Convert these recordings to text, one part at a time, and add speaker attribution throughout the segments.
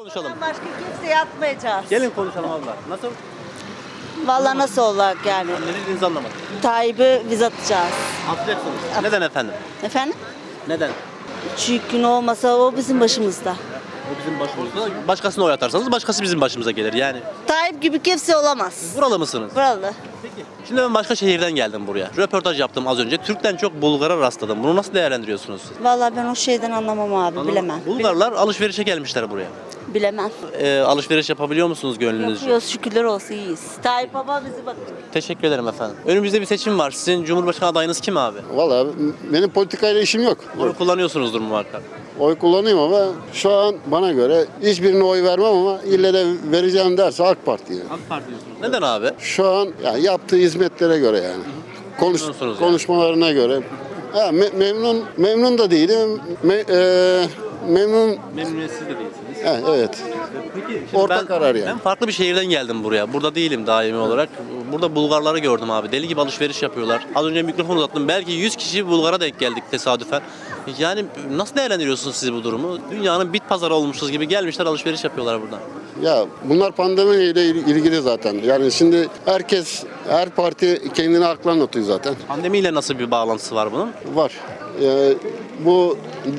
Speaker 1: konuşalım.
Speaker 2: Başka kimseye atmayacağız.
Speaker 1: Gelin konuşalım abla. Nasıl?
Speaker 2: Vallahi nasıl olacak yani?
Speaker 1: Ne dediğinizi anlamadım.
Speaker 2: Tayyip'i biz atacağız.
Speaker 1: Atacaksınız. Neden efendim?
Speaker 2: Efendim?
Speaker 1: Neden?
Speaker 2: Çünkü ne olmasa o bizim başımızda.
Speaker 1: O bizim başımızda. Başkasına oy atarsanız başkası bizim başımıza gelir yani.
Speaker 2: Tayyip gibi kimse olamaz.
Speaker 1: Buralı mısınız?
Speaker 2: Buralı.
Speaker 1: Peki. Şimdi ben başka şehirden geldim buraya. Röportaj yaptım az önce. Türk'ten çok Bulgar'a rastladım. Bunu nasıl değerlendiriyorsunuz siz?
Speaker 2: Vallahi ben o şeyden anlamam abi, bilemem.
Speaker 1: Bulgarlar alışverişe gelmişler buraya.
Speaker 2: Bilemem.
Speaker 1: Alışveriş yapabiliyor musunuz gönlünüzce?
Speaker 2: Yapıyoruz, şükürler olsun, iyiyiz. Tayyip baba bizi bakıyor.
Speaker 1: Teşekkür ederim efendim. Önümüzde bir seçim var. Sizin Cumhurbaşkanı adayınız kim abi?
Speaker 3: Vallahi benim politikayla işim yok.
Speaker 1: Oy kullanıyorsunuzdur muhakkak.
Speaker 3: Oy kullanayım ama şu an bana göre hiçbirine oy vermem ama ille de vereceğim derse AK Parti yani.
Speaker 1: AK Parti diyorsunuz. Neden abi?
Speaker 3: Şu an yani yaptığı hizmetlere göre yani.
Speaker 1: Memnunsunuz yani.
Speaker 3: Konuşmalarına göre. Ha, memnun da değilim. Memnun
Speaker 1: Memnuniyetsiz de değilsiniz.
Speaker 3: evet.
Speaker 1: Peki,
Speaker 3: Orta karar yani.
Speaker 1: Ben farklı bir şehirden geldim buraya. Burada değilim daimi olarak. Burada Bulgarları gördüm abi. Deli gibi alışveriş yapıyorlar. Az önce mikrofon uzattım. Belki 100 kişi Bulgar'a denk geldik tesadüfen. Yani nasıl değerlendiriyorsunuz siz bu durumu? Dünyanın bit pazarı olmuşuz gibi gelmişler alışveriş yapıyorlar buradan.
Speaker 3: Ya bunlar pandemiyle ilgili zaten. Yani şimdi her parti kendine haklı anlatıyor zaten.
Speaker 1: Pandemiyle nasıl bir bağlantısı var bunun?
Speaker 3: Var. Bu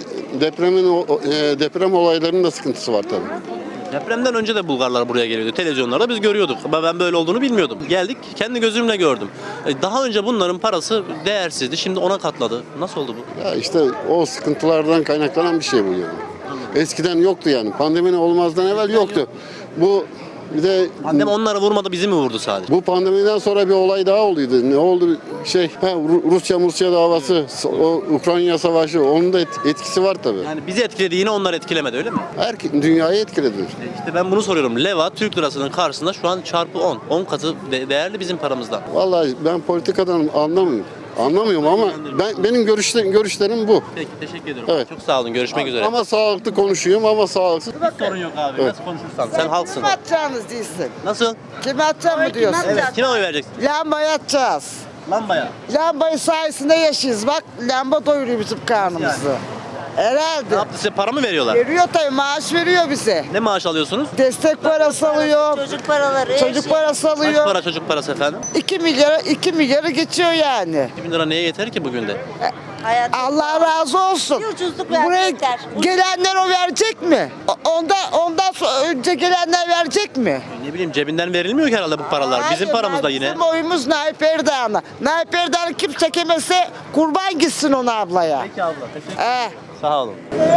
Speaker 3: deprem olaylarının da sıkıntısı var tabii.
Speaker 1: Depremden önce de Bulgarlar buraya geliyordu. Televizyonlarda biz görüyorduk. Ama ben böyle olduğunu bilmiyordum. Geldik, kendi gözümle gördüm. Daha önce bunların parası değersizdi. Şimdi ona katladı. Nasıl oldu bu?
Speaker 3: Ya işte o sıkıntılardan kaynaklanan bir şey bu yani. Eskiden yoktu yani. Pandeminin olmazdan evvel yoktu. Bu bir de
Speaker 1: Pandemi onları vurmadı, bizi mi vurdu sadece?
Speaker 3: bu pandemiden sonra bir olay daha olduydu. Ne oldu? Rusya davası, o Ukrayna savaşı, onun da etkisi var tabii.
Speaker 1: Yani bizi etkiledi, yine onları etkilemedi, öyle mi?
Speaker 3: Dünyayı etkiledi.
Speaker 1: İşte ben bunu soruyorum. Leva Türk lirasının karşısında şu an çarpı 10. 10 katı değerli bizim paramızdan.
Speaker 3: Vallahi ben politikadan anlamıyorum ama benim görüşlerim bu.
Speaker 1: Peki, teşekkür ederim.
Speaker 3: Evet.
Speaker 1: Çok sağ olun. Görüşmek üzere.
Speaker 3: Ama sağlıklı konuşuyorum ama sağlıksız.
Speaker 1: Hiç sorun yok abi.
Speaker 3: Evet.
Speaker 1: Nasıl konuşursan. Sen halksın.
Speaker 4: Kim atacağınız değilsin.
Speaker 1: Nasıl?
Speaker 4: Kime atacağım mı diyorsun?
Speaker 1: Evet. Kime oy vereceksin?
Speaker 4: Lambayı atacağız.
Speaker 1: Lambaya.
Speaker 4: Lambayı sayesinde yaşıyoruz. Bak lamba doyuruyor bizim karnımızı.
Speaker 1: Ne
Speaker 4: Herhalde.
Speaker 1: yaptı size? Para mı veriyorlar?
Speaker 4: Veriyor tabii, maaş veriyor bize.
Speaker 1: Ne maaş alıyorsunuz?
Speaker 4: Destek parası alıyor.
Speaker 2: Çocuk paraları.
Speaker 4: Çocuk parası
Speaker 1: Kaç
Speaker 4: alıyor.
Speaker 1: para çocuk parası efendim?
Speaker 4: 2 milyara geçiyor yani.
Speaker 1: 2000 lira neye yeter ki bugün de?
Speaker 2: Hayat
Speaker 4: Allah razı olsun.
Speaker 2: Bir ucuzluk verdi,
Speaker 4: Buraya
Speaker 2: yeter.
Speaker 4: gelenler o verecek mi? Ondan önce gelenler verecek mi?
Speaker 1: Ne bileyim, cebinden verilmiyor ki herhalde bu paralar. Bizim
Speaker 4: Hayır,
Speaker 1: paramız da yine.
Speaker 4: Bizim oyumuz Naip Erdoğan'a. Naip Erdoğan'ı kim çekemezse kurban gitsin ona ablaya.
Speaker 1: Peki abla, teşekkür
Speaker 4: He.
Speaker 1: Sağ olun.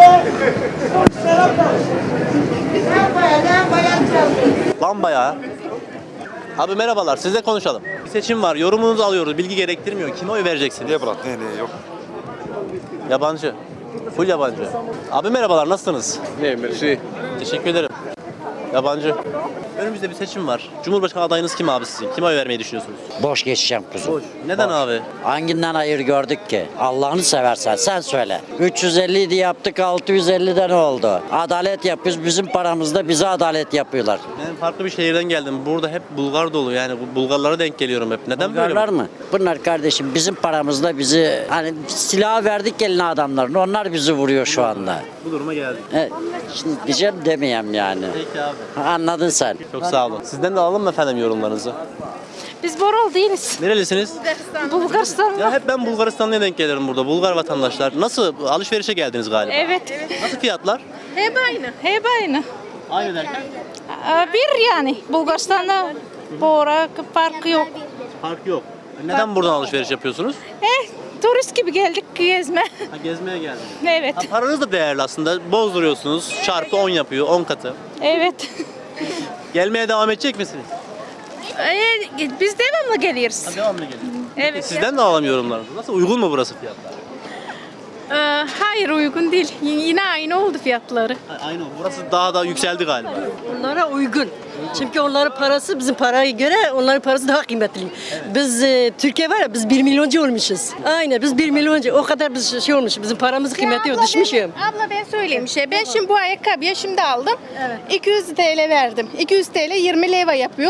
Speaker 1: Lambaya. Abi merhabalar, sizle konuşalım. Bir seçim var, yorumunuzu alıyoruz, bilgi gerektirmiyor. Kime oy vereceksiniz?
Speaker 5: Niye bırak? Ne yok.
Speaker 1: Yabancı. Full yabancı. Abi merhabalar, nasılsınız?
Speaker 5: Ne merci.
Speaker 1: Teşekkür ederim. Yabancı. Önümüzde bir seçim var. Cumhurbaşkanı adayınız kim abi sizin? Kime oy vermeyi düşünüyorsunuz?
Speaker 6: Boş geçeceğim kuzum.
Speaker 1: Neden abi?
Speaker 6: Hanginden hayır gördük ki? Allah'ını seversen sen söyle. 350 idi yaptık, 650'de ne oldu? Adalet yapıyoruz, bizim paramızda bize adalet yapıyorlar.
Speaker 1: Ben farklı bir şehirden geldim. Burada hep Bulgar dolu. Yani bu Bulgarlara denk geliyorum hep. Neden
Speaker 6: Bulgarlar
Speaker 1: böyle?
Speaker 6: mı? Bunlar kardeşim bizim paramızda bizi hani silah verdik eline adamların. Onlar bizi vuruyor şu anda.
Speaker 1: Bu duruma geldik.
Speaker 6: Şimdi diyeceğim demeyeyim yani.
Speaker 1: Peki abi.
Speaker 6: Anladın sen.
Speaker 1: Çok sağ olun. Sizden de alalım mı efendim yorumlarınızı?
Speaker 7: Biz Boral değiliz.
Speaker 1: Nerelisiniz?
Speaker 7: Bulgaristanlı.
Speaker 1: Ya hep ben Bulgaristanlı'ya denk gelirim burada. Bulgar vatandaşlar. Nasıl? Alışverişe geldiniz galiba.
Speaker 7: Evet.
Speaker 1: Nasıl fiyatlar?
Speaker 7: Hep aynı. Hep aynı.
Speaker 1: Aynı derken?
Speaker 7: Bir yani. Bulgaristan'da Bora farkı yok.
Speaker 1: Fark yok. Neden buradan alışveriş yapıyorsunuz?
Speaker 7: Turist gibi geldik gezme.
Speaker 1: Ha, gezmeye geldiniz.
Speaker 7: Evet.
Speaker 1: Ha, paranız da değerli aslında. Bozduruyorsunuz. Çarpı 10 yapıyor. 10 katı.
Speaker 7: Evet.
Speaker 1: Gelmeye devam edecek misiniz?
Speaker 7: Biz devamlı geliyoruz.
Speaker 1: Devamlı gelin.
Speaker 7: Evet.
Speaker 1: Sizden de alalım yorumlarınızı. Nasıl? Uygun mu burası fiyatlar?
Speaker 7: Hayır uygun değil. Yine aynı oldu fiyatları.
Speaker 1: Aynı. Burası daha da yükseldi galiba.
Speaker 8: Onlara uygun. Çünkü onların parası bizim paraya göre onların parası daha kıymetli. Biz Türkiye var ya biz 1 milyoncu olmuşuz. Aynen biz 1 milyoncu. O kadar biz şey olmuş. Bizim paramız kıymeti yok. Düşmüşüm.
Speaker 7: Abla ben söyleyeyim bir şey. Ben şimdi bu ayakkabıyı şimdi aldım. 200 TL verdim. 200 TL 20 leva yapıyor.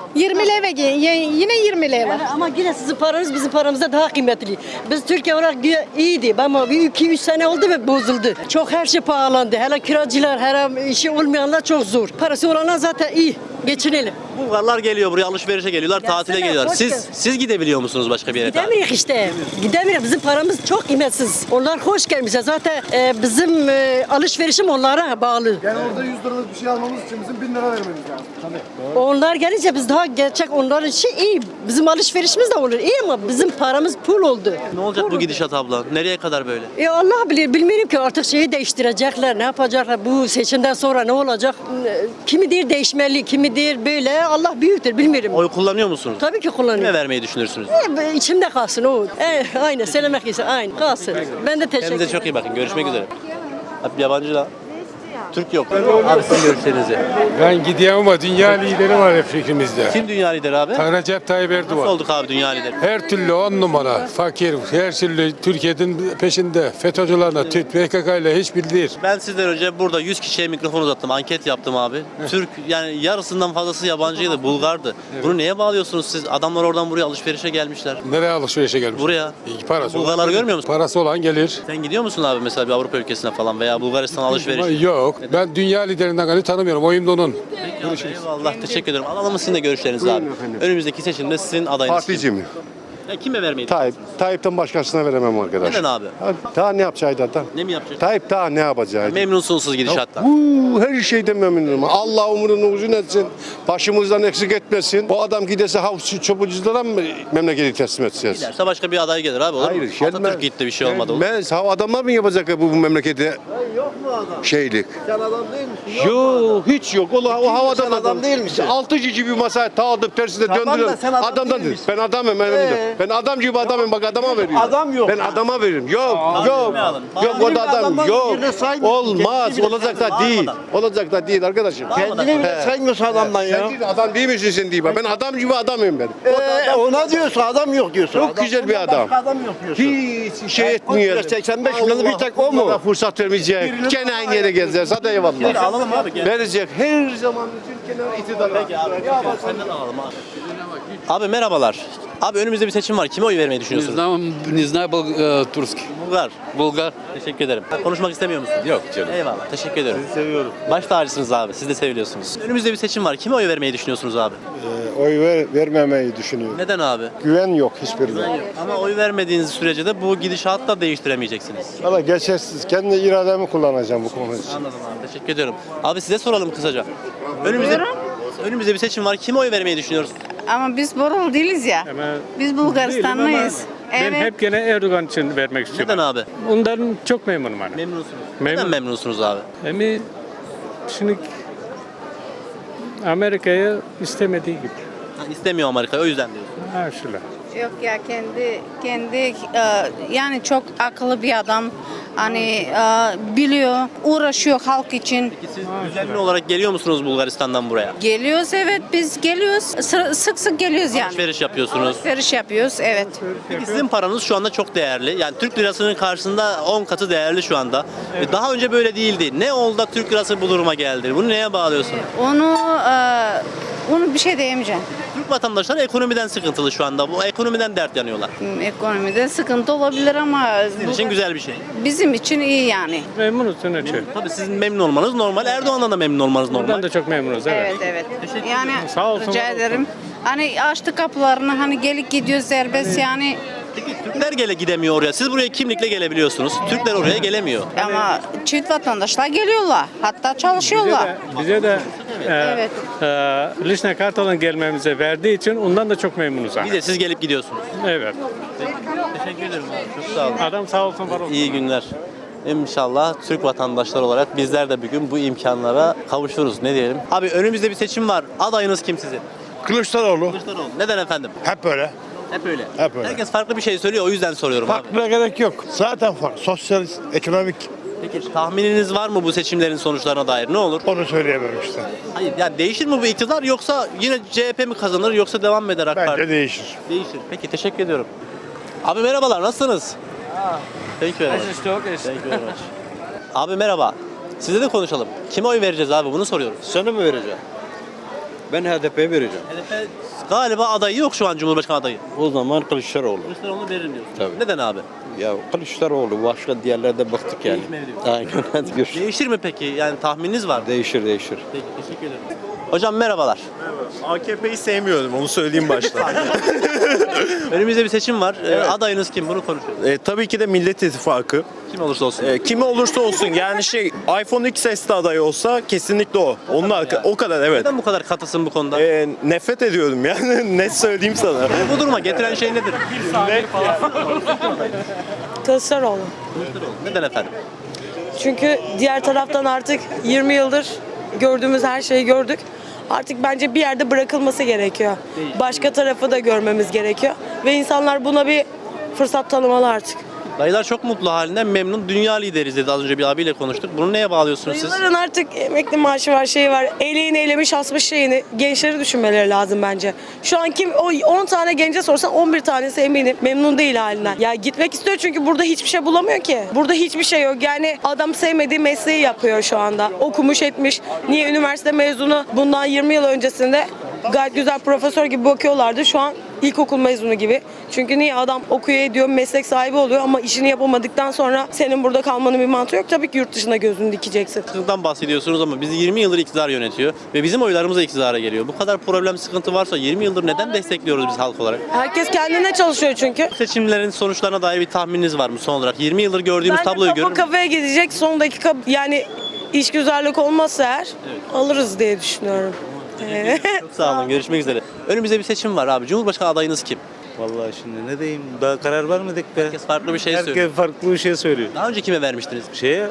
Speaker 7: 20 leva yine 20 leva.
Speaker 8: Yani ama yine sizin paranız bizim paramızda daha kıymetli. Biz Türkiye olarak iyiydi ama bir 2-3 sene oldu ve bozuldu. Çok her şey pahalandı. Hele kiracılar, hele işi olmayanlar çok zor. Parası olanlar zaten iyi. Geçinelim.
Speaker 1: Bulgarlar geliyor buraya alışverişe geliyorlar,
Speaker 8: Gelsene,
Speaker 1: tatile geliyorlar.
Speaker 8: hoş
Speaker 1: Siz
Speaker 8: geldin.
Speaker 1: siz gidebiliyor musunuz başka bir yere?
Speaker 8: Gidemiyoruz işte. Gidemiyoruz. Bizim paramız çok kıymetsiz. Onlar hoş gelmişler. Zaten bizim alışverişim onlara bağlı.
Speaker 5: Yani orada 100 liralık bir şey almamız için bizim 1000 lira vermemiz lazım. Tabii.
Speaker 8: Onlar gelince biz daha gerçek onlar için iyi. Bizim alışverişimiz de olur. İyi ama bizim paramız pul oldu.
Speaker 1: Ne olacak bu gidişat abla? Nereye kadar böyle?
Speaker 8: Allah bilir. Bilmiyorum ki artık şeyi değiştirecekler. Ne yapacaklar? Bu seçimden sonra ne olacak? Kimi der değişmeli, kimi der böyle. Allah büyüktür. Bilmiyorum.
Speaker 1: Oy kullanıyor musunuz?
Speaker 8: Tabii ki kullanıyorum.
Speaker 1: Kime vermeyi düşünürsünüz?
Speaker 8: İçimde kalsın o. Aynen söylemek ise aynı kalsın. Ben de teşekkür
Speaker 1: Kendinize
Speaker 8: ederim.
Speaker 1: çok iyi bakın. Görüşmek üzere. Abi yabancı da. Türk yok. Abi sizin görüşlerinizi.
Speaker 9: Ben gideyim ama dünya lideri var hep fikrimizde.
Speaker 1: Kim dünya lideri abi?
Speaker 9: Recep Tayyip
Speaker 1: Nasıl
Speaker 9: Erdoğan.
Speaker 1: olduk abi dünya lideri?
Speaker 9: Her türlü 10 numara, fakir, her türlü Türkiye'nin peşinde. FETÖ'cülerle, PKK ile hiç bildir.
Speaker 1: Ben sizden önce burada 100 kişiye mikrofon uzattım. Anket yaptım abi. Türk yani yarısından fazlası yabancıydı, Bulgardı. Bunu neye bağlıyorsunuz siz? Adamlar oradan buraya alışverişe gelmişler.
Speaker 9: Nereye alışverişe gelmiş?
Speaker 1: Buraya.
Speaker 9: Parası
Speaker 1: Bulgarları
Speaker 9: olan-
Speaker 1: görmüyor musun?
Speaker 9: Parası olan gelir.
Speaker 1: Sen gidiyor musun abi mesela bir Avrupa ülkesine falan veya Bulgaristan alışveriş?
Speaker 9: Yok. Ben dünya liderinden gani tanımıyorum. Oyum da onun.
Speaker 1: Eyvallah teşekkür ederim. Alalım sizin de görüşlerinizi abi. Önümüzdeki seçimde sizin adayınız kim?
Speaker 5: Particiyim.
Speaker 1: Ya kime vermeyi
Speaker 5: Tayyip.
Speaker 1: düşünüyorsunuz?
Speaker 5: Tayyip'ten başkasına veremem arkadaş.
Speaker 1: Neden abi?
Speaker 5: Daha ne yapacaktı da?
Speaker 1: Ne mi yapacak?
Speaker 5: Tayyip daha ne yapacaktı?
Speaker 1: Memnunsunuz siz gidişattan.
Speaker 5: Her şeyden memnunum. Allah umurunu uzun etsin. Başımızdan eksik etmesin. O adam gidese havuzcu çopuculara mı memleketi teslim edeceğiz?
Speaker 1: Giderse başka bir aday gelir abi olur mu? Atatürk gitti bir şey olmadı olur.
Speaker 5: Gelmez. Ha adamlar mı yapacak bu memlekete? Şeylik. Sen adam değil misin? Yok hiç yok. O havadan adam değil misin? 6 cici bir masaya tağladıp tersine döndürüyorum. Adamdan değil. Ben adamım. Ben adam gibi adamım. Bak adama veriyorum. Adam yok. Ben adama veririm. Yok. Yok. Yok o da adam. Yok. Olmaz. Olacak da değil. Olacak da değil arkadaşım.
Speaker 10: Kendini bile saymıyorsun adamdan ya.
Speaker 5: Sen adam değil misin sen diye. Ben adam gibi adamım ben.
Speaker 10: Ona diyorsun adam yok diyorsun.
Speaker 5: Çok güzel bir adam.
Speaker 10: Adam yok diyorsun.
Speaker 5: Hiç şey etmiyor.
Speaker 10: 85 milyonu bir tek o mu?
Speaker 5: Onlara fırsat vermeyecek. Gene aynı yere gezeceğiz. Hadi eyvallah.
Speaker 1: Alalım abi gel.
Speaker 5: Verecek. Her zaman için kenara iktidar.
Speaker 1: Peki abi. Senden alalım abi. Abi merhabalar. Abi önümüzde bir seçim var. Kime oy vermeyi düşünüyorsunuz?
Speaker 11: Не знаю турский.
Speaker 1: Bulgar.
Speaker 11: Bulgar.
Speaker 1: Teşekkür ederim. Konuşmak istemiyor musunuz?
Speaker 11: Yok canım.
Speaker 1: Eyvallah. Teşekkür ederim. Sizi seviyorum. Baş tacısınız abi. Siz de seviliyorsunuz. Önümüzde bir seçim var. Kime oy vermeyi düşünüyorsunuz abi?
Speaker 5: Oy vermemeyi düşünüyorum.
Speaker 1: Neden abi?
Speaker 5: Güven yok hiçbirine.
Speaker 1: Ama oy vermediğiniz sürece de bu gidişatı da değiştiremeyeceksiniz.
Speaker 5: Valla geçersiz. Kendi irademi kullanacağım bu konu için.
Speaker 1: Anladım abi. Teşekkür ediyorum. Abi size soralım kısaca. Önümüzde bir seçim var. Kime oy vermeyi düşünüyoruz?
Speaker 7: Ama biz Borol değiliz ya. Biz Bulgaristanlıyız.
Speaker 9: Ben hep gene Erdoğan için vermek istiyorum.
Speaker 1: Neden abi?
Speaker 9: Ondan çok memnunum hani.
Speaker 1: Memnunsunuz.
Speaker 9: Memnun.
Speaker 1: Neden memnunsunuz abi?
Speaker 9: Ama şimdi Amerika'yı istemediği gibi.
Speaker 1: İstemiyor Amerika o yüzden diyorsun.
Speaker 9: Ha şöyle.
Speaker 7: Yok ya kendi yani çok akıllı bir adam. Hani biliyor, uğraşıyor halk için.
Speaker 1: Peki siz düzenli olarak geliyor musunuz Bulgaristan'dan buraya?
Speaker 7: Geliyoruz evet biz geliyoruz. Sık sık geliyoruz yani.
Speaker 1: Alışveriş yapıyorsunuz.
Speaker 7: Alışveriş yapıyoruz evet.
Speaker 1: Peki sizin paranız şu anda çok değerli. Yani Türk lirasının karşısında 10 katı değerli şu anda. Daha önce böyle değildi. Ne oldu da Türk lirası bu duruma geldi? Bunu neye bağlıyorsunuz?
Speaker 7: Onu bir şey diyemeyeceğim.
Speaker 1: Türk vatandaşları ekonomiden sıkıntılı şu anda. Bu ekonomiden dert yanıyorlar.
Speaker 7: Ekonomide sıkıntı olabilir ama
Speaker 1: Sizin için güzel bir şey.
Speaker 7: bizim için iyi yani.
Speaker 9: Memnunuz sonuçta.
Speaker 1: Tabii sizin memnun olmanız normal. Erdoğan'dan da memnun olmanız normal.
Speaker 9: Buradan da çok memnunuz evet.
Speaker 7: Evet. Yani
Speaker 9: Sağ olsun,
Speaker 7: rica
Speaker 9: var olsun.
Speaker 7: ederim. Hani açtı kapılarını hani gelip gidiyor serbest yani.
Speaker 1: Peki Türkler gidemiyor oraya. Siz buraya kimlikle gelebiliyorsunuz. Türkler oraya gelemiyor.
Speaker 7: Ama çift vatandaşlar geliyorlar. Hatta çalışıyorlar.
Speaker 9: Bize de
Speaker 7: Evet.
Speaker 9: Lişne Kartal'ın gelmemize verdiği için ondan da çok memnunuz.
Speaker 1: Bir de siz gelip gidiyorsunuz.
Speaker 9: Evet.
Speaker 1: Teşekkür ederim abi. Çok sağ olun.
Speaker 9: Adam sağ olsun var olsun.
Speaker 1: İyi günler. İnşallah Türk vatandaşları olarak bizler de bir gün bu imkanlara kavuşuruz. Ne diyelim? Abi önümüzde bir seçim var. Adayınız kim sizin?
Speaker 5: Kılıçdaroğlu.
Speaker 1: Kılıçdaroğlu. Neden efendim?
Speaker 5: Hep böyle.
Speaker 1: Hep öyle.
Speaker 5: Hep öyle.
Speaker 1: Herkes farklı bir şey söylüyor o yüzden soruyorum abi.
Speaker 5: Farklıya gerek yok. Zaten farklı. Sosyalist, ekonomik.
Speaker 1: Peki tahmininiz var mı bu seçimlerin sonuçlarına dair? Ne olur?
Speaker 5: Onu söyleyemem işte.
Speaker 1: Hayır ya değişir mi bu iktidar yoksa yine CHP mi kazanır yoksa devam mı eder AK Parti?
Speaker 5: Bence değişir.
Speaker 1: Değişir. Peki teşekkür ediyorum. Abi merhabalar nasılsınız? Thank you very much. Thank you very much. Abi merhaba. Size de konuşalım. Kime oy vereceğiz abi bunu soruyoruz.
Speaker 10: Sana mı vereceğim? Ben HDP'ye vereceğim.
Speaker 1: HDP galiba adayı yok şu an, Cumhurbaşkanı adayı.
Speaker 10: O zaman Kılıçdaroğlu.
Speaker 1: Kılıçdaroğlu veririm diyorsun.
Speaker 10: Tabii.
Speaker 1: Neden abi?
Speaker 10: Ya Kılıçdaroğlu başka diğerlerde baktık yani.
Speaker 1: Değişmeli diyor.
Speaker 10: Aynen hadi görüşürüz.
Speaker 1: Değişir mi peki? Yani tahmininiz var mı?
Speaker 10: Değişir.
Speaker 1: Peki, teşekkür ederim. Hocam merhabalar.
Speaker 12: AKP'yi sevmiyorum, onu söyleyeyim başta.
Speaker 1: Önümüzde bir seçim var. Adayınız kim? Bunu konuşuyoruz.
Speaker 12: Tabii ki de Millet İttifakı.
Speaker 1: Kim olursa olsun.
Speaker 12: Kimi olursa olsun yani iPhone XS'de aday olsa kesinlikle o. O kadar evet.
Speaker 1: Neden bu kadar katısın bu konuda?
Speaker 12: Nefret ediyorum yani ne söyleyeyim sana.
Speaker 1: Bu duruma getiren şey nedir?
Speaker 8: Kılıçdaroğlu.
Speaker 1: Neden efendim?
Speaker 8: Çünkü diğer taraftan artık 20 yıldır gördüğümüz her şeyi gördük. Artık bence bir yerde bırakılması gerekiyor. Başka tarafı da görmemiz gerekiyor. Ve insanlar buna bir fırsat tanımalı artık.
Speaker 1: Dayılar çok mutlu halinden memnun. Dünya lideriz dedi, az önce bir abiyle konuştuk. Bunu neye bağlıyorsunuz siz?
Speaker 8: Dayıların artık emekli maaşı var, şeyi var. Eleğini elemiş, asmış şeyini. Gençleri düşünmeleri lazım bence. Şu an kim o 10 tane gence sorsan 11 tanesi eminim memnun değil halinden. Ya gitmek istiyor çünkü burada hiçbir şey bulamıyor ki. Burada hiçbir şey yok. Yani adam sevmediği mesleği yapıyor şu anda. Okumuş etmiş. Niye üniversite mezunu bundan 20 yıl öncesinde gayet güzel profesör gibi bakıyorlardı. Şu an ilkokul mezunu gibi. Çünkü niye adam okuyor ediyor, meslek sahibi oluyor ama işini yapamadıktan sonra senin burada kalmanın bir mantığı yok. Tabii ki yurt dışına gözünü dikeceksin.
Speaker 1: Sıkıntıdan bahsediyorsunuz ama bizi 20 yıldır iktidar yönetiyor ve bizim oylarımız da iktidara geliyor. Bu kadar problem, sıkıntı varsa 20 yıldır neden destekliyoruz biz halk olarak?
Speaker 8: Herkes kendine çalışıyor çünkü.
Speaker 1: Seçimlerin sonuçlarına dair bir tahmininiz var mı son olarak? 20 yıldır gördüğümüz
Speaker 8: Bence
Speaker 1: tabloyu görür
Speaker 8: kafa
Speaker 1: müsünüz?
Speaker 8: kafaya gidecek son dakika yani işgüzarlık olmazsa eğer alırız diye düşünüyorum.
Speaker 1: Çok sağ olun. Görüşmek üzere. Önümüzde bir seçim var abi. Cumhurbaşkanı adayınız kim?
Speaker 10: Vallahi şimdi ne diyeyim daha karar vermedik be.
Speaker 1: Herkes farklı bir şey söylüyor.
Speaker 10: Herkes farklı bir şey söylüyor.
Speaker 1: Daha önce kime vermiştiniz?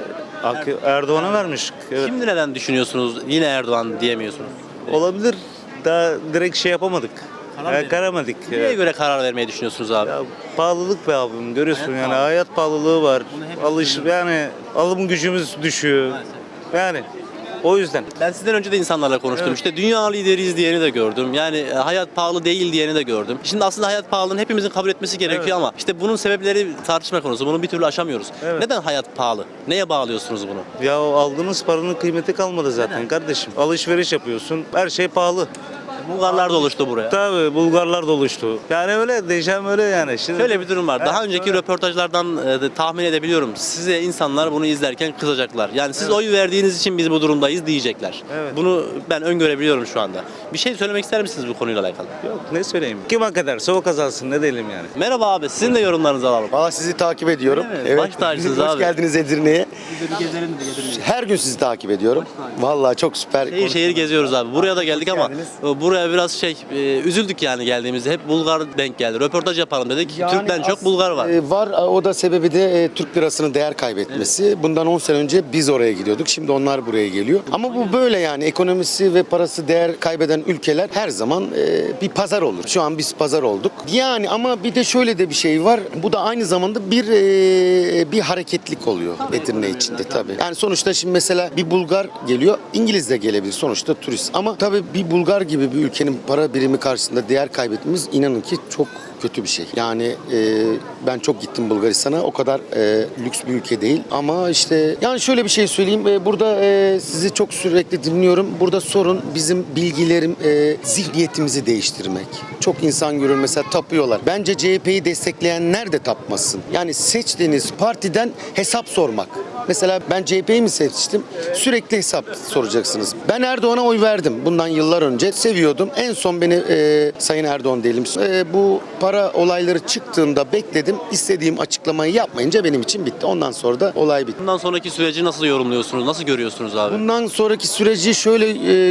Speaker 10: Erdoğan'a vermiş. Evet.
Speaker 1: Şimdi neden düşünüyorsunuz yine Erdoğan diyemiyorsunuz?
Speaker 10: Olabilir. Daha direkt şey yapamadık.
Speaker 1: Karar
Speaker 10: Karamadık.
Speaker 1: Neye göre karar vermeyi düşünüyorsunuz abi?
Speaker 10: Ya pahalılık be abim görüyorsun
Speaker 1: Hayat
Speaker 10: yani
Speaker 1: pahalı.
Speaker 10: hayat pahalılığı var.
Speaker 1: hep
Speaker 10: Yani alım gücümüz düşüyor. Yani o yüzden.
Speaker 1: Ben sizden önce de insanlarla konuştum. İşte dünya lideriyiz diyeni de gördüm. Yani hayat pahalı değil diyeni de gördüm. Şimdi aslında hayat pahalılığını hepimizin kabul etmesi gerekiyor ama işte bunun sebepleri tartışma konusu. Bunu bir türlü aşamıyoruz.
Speaker 10: Evet.
Speaker 1: Neden hayat pahalı? Neye bağlıyorsunuz bunu?
Speaker 10: Ya aldığınız paranın kıymeti kalmadı zaten kardeşim. Alışveriş yapıyorsun. Her şey pahalı.
Speaker 1: Bulgarlar da oluştu buraya.
Speaker 10: Tabii Bulgarlar da oluştu. Yani öyle diyeceğim öyle yani. Şimdi
Speaker 1: Şöyle bir durum var. Daha
Speaker 10: Evet,
Speaker 1: önceki
Speaker 10: öyle.
Speaker 1: röportajlardan tahmin edebiliyorum. Size insanlar bunu izlerken kızacaklar. Yani siz oy verdiğiniz için biz bu durumdayız diyecekler.
Speaker 10: Evet.
Speaker 1: Bunu ben öngörebiliyorum şu anda. Bir şey söylemek ister misiniz bu konuyla alakalı?
Speaker 10: Yok ne söyleyeyim. Kim hak ederse o kazansın ne diyelim yani.
Speaker 1: Merhaba abi. Sizin de yorumlarınızı alalım.
Speaker 13: Valla sizi takip ediyorum.
Speaker 1: Öyle mi? Baş tacısınız abi.
Speaker 13: Hoş geldiniz Edirne'ye.
Speaker 1: Biz de bir gezelim de getirelim.
Speaker 13: Her gün sizi takip ediyorum. Valla çok süper.
Speaker 1: Şehir şehir geziyoruz abi. Buraya da geldik ama
Speaker 13: geldiniz.
Speaker 1: buraya biraz üzüldük yani geldiğimizde. Hep Bulgar denk geldi. Röportaj yapalım dedik.
Speaker 13: Yani
Speaker 1: Türk'ten çok Bulgar var.
Speaker 13: Var. O da sebebi de Türk lirasının değer kaybetmesi. Bundan 10 sene önce biz oraya gidiyorduk. Şimdi onlar buraya geliyor. Ama bu böyle yani ekonomisi ve parası değer kaybeden ülkeler her zaman bir pazar olur. Şu an biz pazar olduk. Yani ama bir de şöyle de bir şey var. Bu da aynı zamanda bir hareketlik oluyor Edirne içinde tabii. Yani sonuçta şimdi mesela bir Bulgar geliyor. İngiliz de gelebilir sonuçta turist. Ama tabii bir Bulgar gibi bir ülkenin para birimi karşısında değer kaybetmemiz inanın ki çok kötü bir şey. Yani ben çok gittim Bulgaristan'a. O kadar lüks bir ülke değil. Ama işte yani şöyle bir şey söyleyeyim. Burada sizi çok sürekli dinliyorum. Burada sorun bizim bilgilerim, zihniyetimizi değiştirmek. Çok insan görür mesela tapıyorlar. Bence CHP'yi destekleyenler de tapmasın. Yani seçtiğiniz partiden hesap sormak. Mesela ben CHP'yi mi seçtim? Sürekli hesap soracaksınız. Ben Erdoğan'a oy verdim. Bundan yıllar önce seviyordum. En son beni Sayın Erdoğan diyelim. Bu para olayları çıktığında bekledim. İstediğim açıklamayı yapmayınca benim için bitti. Ondan sonra da olay bitti.
Speaker 1: Bundan sonraki süreci nasıl yorumluyorsunuz? Nasıl görüyorsunuz abi?
Speaker 13: Bundan sonraki süreci şöyle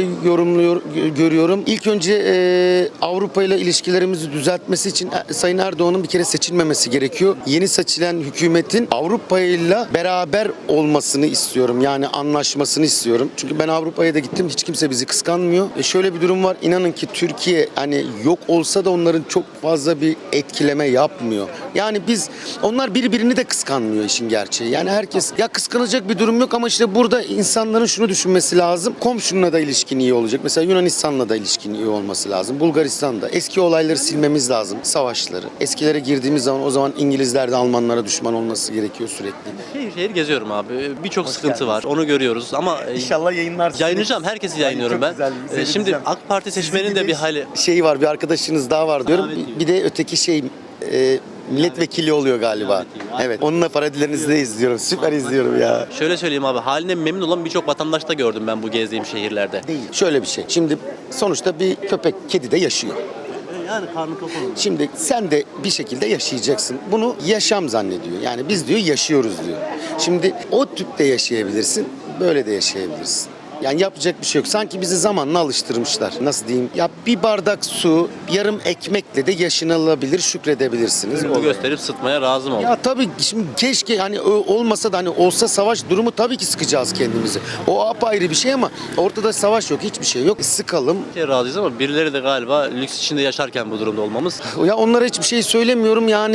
Speaker 13: görüyorum. İlk önce Avrupa ile ilişkilerimizi düzeltmesi için Sayın Erdoğan'ın bir kere seçilmemesi gerekiyor. Yeni seçilen hükümetin Avrupa ile beraber olmasını istiyorum. Yani anlaşmasını istiyorum. Çünkü ben Avrupa'ya da gittim. Hiç kimse bizi kıskanmıyor. Şöyle bir durum var. İnanın ki Türkiye hani yok olsa da onların çok fazla bir etkileme yapmıyor. Yani onlar birbirini de kıskanmıyor işin gerçeği. Yani herkes ya kıskanacak bir durum yok ama işte burada insanların şunu düşünmesi lazım. Komşunla da ilişkin iyi olacak. Mesela Yunanistan'la da ilişkin iyi olması lazım. Bulgaristan'da. Eski olayları silmemiz lazım. Savaşları. Eskilere girdiğimiz zaman o zaman İngilizler de Almanlara düşman olması gerekiyor sürekli.
Speaker 1: Şehir geziyorum ederim abi. Birçok sıkıntı var. Onu görüyoruz ama
Speaker 13: İnşallah yayınlarsınız.
Speaker 1: yayınlayacağım. Herkesi yayınlıyorum ben. Şimdi AK Parti seçmenin de bir hali.
Speaker 13: Şey var, bir arkadaşınız daha var diyorum.
Speaker 1: Davetli.
Speaker 13: Bir de öteki şey milletvekili oluyor galiba.
Speaker 1: Davetli.
Speaker 13: Evet. Onunla paralellerinizi de izliyorum. Süper izliyorum ya.
Speaker 1: Şöyle söyleyeyim abi, haline memnun olan birçok vatandaş da gördüm ben bu gezdiğim şehirlerde.
Speaker 13: Değil. Şöyle bir şey. Şimdi sonuçta bir köpek, kedi de yaşıyor.
Speaker 1: Yani karnı tok olur.
Speaker 13: Şimdi sen de bir şekilde yaşayacaksın. Bunu yaşam zannediyor. Yani biz diyor yaşıyoruz diyor. Şimdi o tüpte yaşayabilirsin, böyle de yaşayabilirsin. Yani yapacak bir şey yok. Sanki bizi zamanla alıştırmışlar. Nasıl diyeyim? Ya bir bardak su, yarım ekmekle de yaşanılabilir, şükredebilirsiniz.
Speaker 1: Bu gösterip sıtmaya razı mı oldun?
Speaker 13: Ya tabii şimdi keşke hani olmasa da hani olsa savaş durumu tabii ki sıkacağız kendimizi. O apayrı bir şey ama ortada savaş yok, hiçbir şey yok. Sıkalım.
Speaker 1: Razıyız ama birileri de galiba lüks içinde yaşarken bu durumda olmamız.
Speaker 13: Ya onlara hiçbir şey söylemiyorum. Yani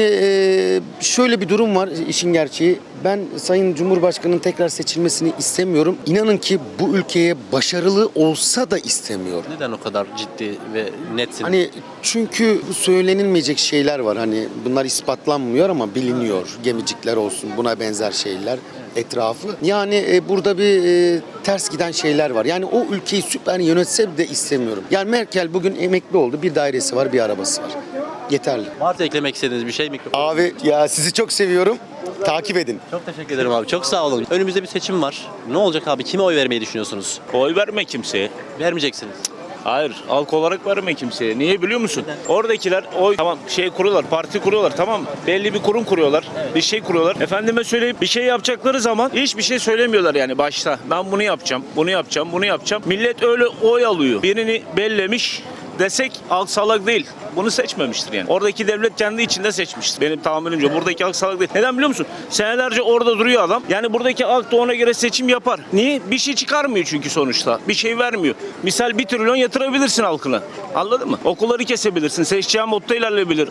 Speaker 13: şöyle bir durum var işin gerçeği. Ben Sayın Cumhurbaşkanı'nın tekrar seçilmesini istemiyorum. İnanın ki bu ülkeye başarılı olsa da istemiyorum.
Speaker 1: Neden o kadar ciddi ve netsin?
Speaker 13: Hani çünkü bu söylenilmeyecek şeyler var. Hani bunlar ispatlanmıyor ama biliniyor. Gemicikler olsun, buna benzer şeyler etrafı. Yani burada bir ters giden şeyler var. Yani o ülkeyi süper yönetse de istemiyorum. Yani Merkel bugün emekli oldu. Bir dairesi var, bir arabası var. Yeterli.
Speaker 1: Varsa eklemek istediğiniz bir şey mikrofon.
Speaker 13: Abi ya sizi çok seviyorum. Takip edin.
Speaker 1: Çok teşekkür ederim abi. Çok sağ olun. Önümüzde bir seçim var. Ne olacak abi? Kime oy vermeyi düşünüyorsunuz?
Speaker 12: Oy verme kimseye.
Speaker 1: Vermeyeceksiniz.
Speaker 12: Hayır, halk olarak verme kimseye. Niye biliyor musun? Oradakiler tamam kuruyorlar, parti kuruyorlar, tamam mı? Belli bir kurum kuruyorlar, bir şey kuruyorlar. Efendime söyleyip bir şey yapacakları zaman hiçbir şey söylemiyorlar yani başta. Ben bunu yapacağım, bunu yapacağım, bunu yapacağım. Millet öyle oy alıyor. Birini bellemiş desek halk salak değil. Bunu seçmemiştir yani. Oradaki devlet kendi içinde seçmiştir. Benim tahminimce buradaki halk salak değil. Neden biliyor musun? Senelerce orada duruyor adam. Yani buradaki halk da ona göre seçim yapar. Niye? Bir şey çıkarmıyor çünkü sonuçta. Bir şey vermiyor. Misal 1 trilyon yatırabilirsin halkına. Anladın mı? Okulları kesebilirsin. Seçeceğin modda ilerleyebilir.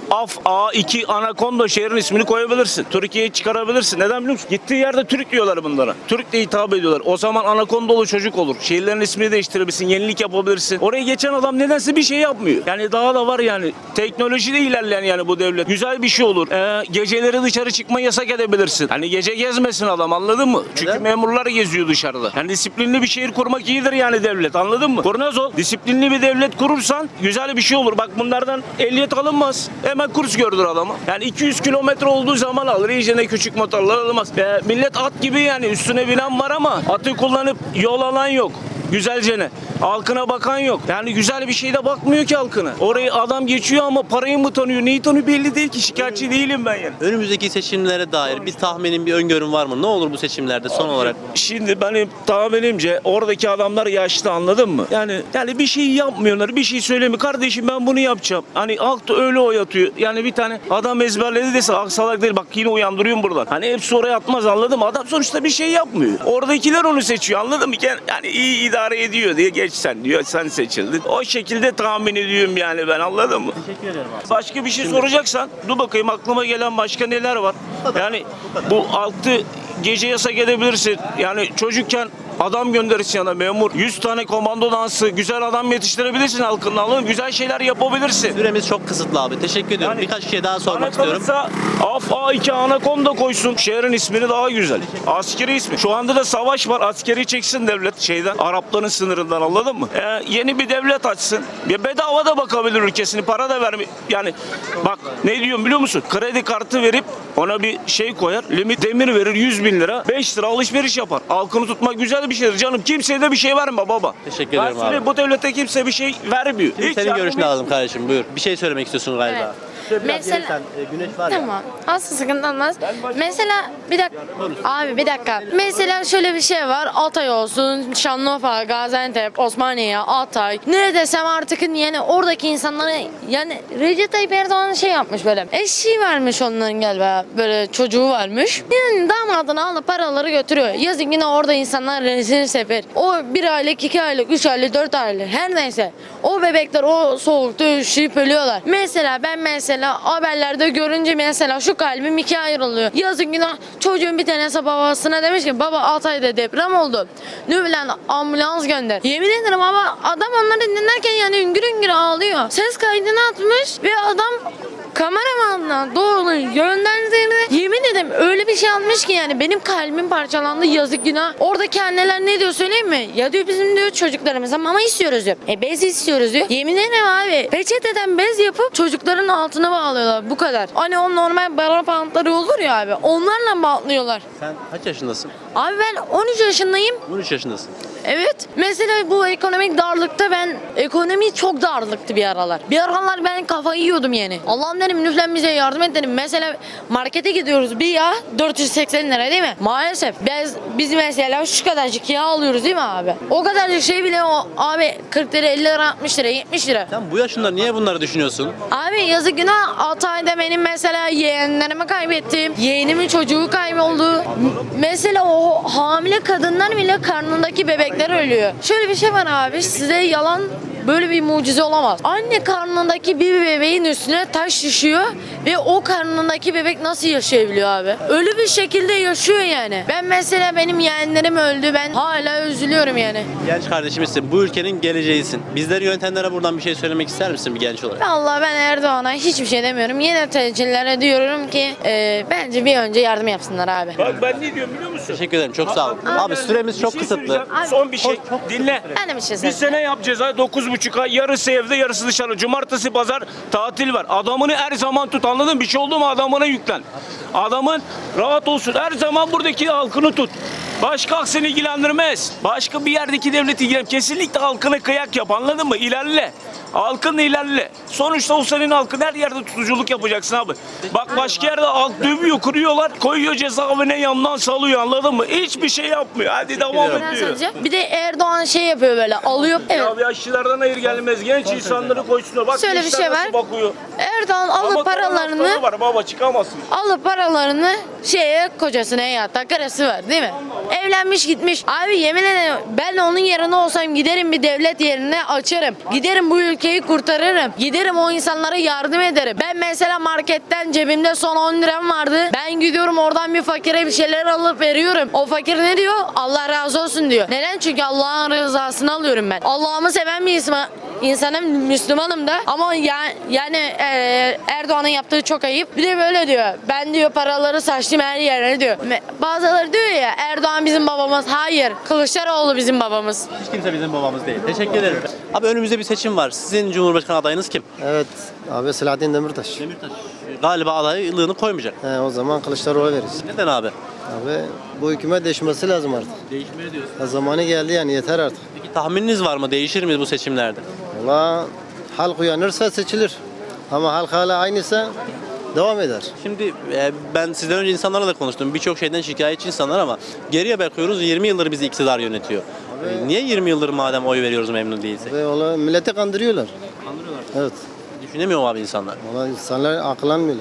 Speaker 12: A2 Anakonda şehrin ismini koyabilirsin. Türkiye'yi çıkarabilirsin. Neden biliyor musun? Gittiği yerde Türk diyorlar bunlara. Türk de hitap ediyorlar. O zaman Anakondalı çocuk olur. Şehirlerin ismini değiştirebilirsin. Yenilik yapabilirsin. Oraya geçen adam nedense bir şey yapmıyor. Yani daha da var yani. Teknolojide ilerleyen yani bu devlet. Güzel bir şey olur. Geceleri dışarı çıkma yasak edebilirsin. Hani gece gezmesin adam, anladın mı? Çünkü memurlar geziyor dışarıda. Yani disiplinli bir şehir kurmak iyidir yani devlet, anladın mı? Kurnaz ol. Disiplinli bir devlet kurursan güzel bir şey olur. Bak bunlardan ehliyet alınmaz. Hemen kurs gördür adama. Yani 200 kilometre olduğu zaman alır. İyice küçük motorlar alınmaz. Millet at gibi yani üstüne binen var ama atı kullanıp yol alan yok. Güzelce halkına bakan yok. Yani güzel bir şeyde bakmıyor ki halkına. Orayı adam geçiyor ama parayı mı tanıyor, neyi tanıyor belli değil ki. Şikayetçi değilim ben yani.
Speaker 1: Önümüzdeki seçimlere dair bir tahminin, bir öngörün var mı? Ne olur bu seçimlerde son olarak?
Speaker 12: Şimdi benim tahminimce oradaki adamlar yaşlı, anladın mı? Yani bir şey yapmıyorlar, bir şey söylemiyor. Kardeşim ben bunu yapacağım. Hani halk da öyle oy atıyor. Yani bir tane adam ezberledi dese halk salak değil. Bak yine uyandırıyorum buradan. Hani hepsi oraya atmaz, anladın mı? Adam sonuçta bir şey yapmıyor. Oradakiler onu seçiyor, anladın mı? Yani iyi idare ediyor diye geç sen diyor. Sen seçildin. O şekilde tahmin ediyorum yani ben, anladın mı?
Speaker 1: Teşekkür ederim abi.
Speaker 12: Başka bir şey soracaksan dur bakayım aklıma gelen başka neler var. Yani bu altı gece yasak edebilirsin. Yani çocukken adam gönderirsin yana memur. 100 tane komando dansı, güzel adam yetiştirebilirsin halkın, anladın mı? Güzel şeyler yapabilirsin.
Speaker 1: Süremiz çok kısıtlı abi. Teşekkür ediyorum.
Speaker 12: Yani
Speaker 1: Birkaç şey daha sormak
Speaker 12: Bana
Speaker 1: istiyorum.
Speaker 12: kalırsa A2 Anakonda koysun. Şehrin ismini daha güzel. Askeri ismi. Şu anda da savaş var. Askeri çeksin devlet şeyden. Arapların sınırından, anladın mı? Yeni bir devlet açsın. Ya bedava da bakabilir ülkesini. Para da vermiyor. Yani bak ne diyorum biliyor musun? Kredi kartı verip ona bir şey koyar. Limit demir verir 100 bin lira. 5 lira alışveriş yapar. Halkını tutmak güzel bir şeydir canım. Kimseye de bir şey verme baba.
Speaker 1: Teşekkür ederim abi.
Speaker 12: Bu devlete kimse bir şey vermiyor.
Speaker 1: Şimdi
Speaker 12: Hiç
Speaker 1: senin
Speaker 12: yardım
Speaker 1: görüşünü alalım kardeşim. Buyur. Bir şey söylemek istiyorsun galiba.
Speaker 7: Evet.
Speaker 1: Şöyle biraz
Speaker 7: Mesela-
Speaker 1: gelirsen, güneş var ya.
Speaker 7: Tamam. Asla sıkıntı olmaz. Mesela bir dakika. Abi bir dakika. Mesela şöyle bir şey var. Altay olsun, Şanlıurfa, Gaziantep, Osmaniye, Altay. Ne desem artık yani oradaki insanlara yani Recep Tayyip Erdoğan şey yapmış böyle. Eşi varmış onların galiba. Böyle çocuğu varmış. Yani damadını alıp paraları götürüyor. Yazın yine orada insanlar rezil sefer. O 1 aylık, 2 aylık, 3 aylık, 4 aylık her neyse. O bebekler o soğukta üşüyüp ölüyorlar. Mesela ben haberlerde görünce mesela şu kalbim 2'ye ayrılıyor. Yazın günah çocuğun bir tanesi babasına demiş ki baba Altay'da deprem oldu. Lübnan ambulans gönder. Yemin ederim ama adam onları dinlerken yani üngür üngür ağlıyor. Ses kaydını atmış ve adam kameramanla doğru yönlendirdiğinde yemin ederim öyle bir şey almış ki yani benim kalbim parçalandı, yazık günah. Oradaki anneler ne diyor söyleyeyim mi? Ya diyor bizim diyor çocuklarımıza mama istiyoruz diyor. Bez istiyoruz diyor. Yemin ederim abi peçeteden bez yapıp çocukların altına bağlıyorlar bu kadar. Hani o normal bara pantları olur ya abi onlarla bağlıyorlar.
Speaker 1: Sen kaç yaşındasın?
Speaker 7: Abi ben 13 yaşındayım.
Speaker 1: 13 yaşındasın.
Speaker 7: Evet. Mesela bu ekonomik darlıkta ekonomi çok darlıktı bir aralar. Bir aralar ben kafayı yiyordum yani. Allah'ım dedim lütfen bize yardım et dedim. Mesela markete gidiyoruz bir yağ 480 lira değil mi? Maalesef biz mesela şu kadarcık yağ alıyoruz değil mi abi? O kadarcık şey bile o abi 40 lira 50 lira 60 lira 70 lira.
Speaker 1: Sen bu yaşında niye bunları düşünüyorsun?
Speaker 7: Abi yazık günah 6 ayda benim mesela yeğenlerimi kaybettim. Yeğenimin çocuğu kayboldu. Mesela o hamile kadınlar bile karnındaki bebekler ölüyor. Şöyle bir şey var abi size yalan böyle bir mucize olamaz. Anne karnındaki bir bebeğin üstüne taş düşüyor ve o karnındaki bebek nasıl yaşayabiliyor abi? Ölü bir şekilde yaşıyor yani. Ben mesela benim yeğenlerim öldü. Ben hala üzülüyorum yani.
Speaker 1: Genç kardeşimizsin. Bu ülkenin geleceğisin. Bizleri yönetenlere buradan bir şey söylemek ister misin bir genç olarak?
Speaker 7: Vallahi ben Erdoğan'a hiçbir şey demiyorum. Yöneticilere diyorum ki bence bir önce yardım yapsınlar abi.
Speaker 12: Bak ben ne diyorum biliyor musun?
Speaker 1: Teşekkür ederim. Çok sağ ol. Abi süremiz çok kısıtlı.
Speaker 12: söyleyeceğim. Son bir şey. Dinle.
Speaker 7: Ben de bir şey
Speaker 12: Bir
Speaker 7: söyleyeyim.
Speaker 12: sene yapacağız ha 9,5 ay. Yarısı evde yarısı dışarı. Cumartesi pazar tatil var. Adamını her zaman tut anladın mı? Bir şey oldu mu adamına yüklen. Adamın rahat olsun. Her zaman buradaki halkını tut. Başka seni ilgilendirmez. Başka bir yerdeki devleti ilgilendirmez. Kesinlikle halkına kıyak yap anladın mı? İlerle. Halkınla ilerle. Sonuçta o senin halkın her yerde tutuculuk yapacaksın abi. Bak başka yerde halk dövüyor, kırıyorlar, koyuyor cezaevine yandan salıyor anladın mı? Hiçbir şey yapmıyor. Hadi devam et diyor.
Speaker 7: Bir de Erdoğan şey yapıyor böyle alıyor. Evet.
Speaker 12: Ya yaşlılardan hayır gelmez. Genç insanları koysunlar. Bak
Speaker 7: Şöyle bir
Speaker 12: gençler
Speaker 7: şey
Speaker 12: nasıl
Speaker 7: var.
Speaker 12: bakıyor.
Speaker 7: Erdoğan
Speaker 12: Ama
Speaker 7: alıp paralarını
Speaker 12: var baba çıkamazsın.
Speaker 7: kocasına yatta karısı var değil mi? Evlenmiş gitmiş. Abi yemin ederim ben onun yerine olsam giderim bir devlet yerine açarım. Giderim bu ülkeyi kurtarırım. Giderim o insanlara yardım ederim. Ben mesela marketten cebimde son 10 liram vardı. Ben gidiyorum oradan bir fakire bir şeyler alıp veriyorum. O fakir ne diyor? Allah razı olsun diyor. Neden? Çünkü Allah'ın rızasını alıyorum ben. Allah'ımı seven bir insanım, Müslümanım da. Ama Erdoğan'ın yaptığı çok ayıp. Bir de böyle diyor. Ben diyor paraları saçtım her yerine diyor. Bazıları diyor ya Erdoğan bizim babamız. Hayır. Kılıçdaroğlu bizim babamız.
Speaker 1: Hiç kimse bizim babamız değil. Teşekkür ederim. Abi önümüzde bir seçim var. Sizin Cumhurbaşkanı adayınız kim?
Speaker 14: Evet abi Selahattin Demirtaş.
Speaker 1: Demirtaş. Galiba adaylığını koymayacak.
Speaker 14: O zaman Kılıçdaroğlu veririz.
Speaker 1: Neden abi?
Speaker 14: Abi bu hükümet değişmesi lazım artık.
Speaker 1: Değişmeye diyorsun.
Speaker 14: Zamanı geldi yani yeter artık.
Speaker 1: Peki tahmininiz var mı? Değişir mi bu seçimlerde?
Speaker 14: Valla halk uyanırsa seçilir. Ama halk hala aynıysa devam eder.
Speaker 1: Şimdi ben sizden önce insanlarla da konuştum. Birçok şeyden şikayetçi insanlar ama geriye bakıyoruz 20 yıldır bizi iktidar yönetiyor. Niye 20 yıldır madem oy veriyoruz memnun değilsek?
Speaker 14: Ve milleti kandırıyorlar.
Speaker 1: Kandırıyorlar.
Speaker 14: Evet.
Speaker 1: Düşünemiyor mu abi insanlar?
Speaker 14: Valla insanlar akıllanmıyor.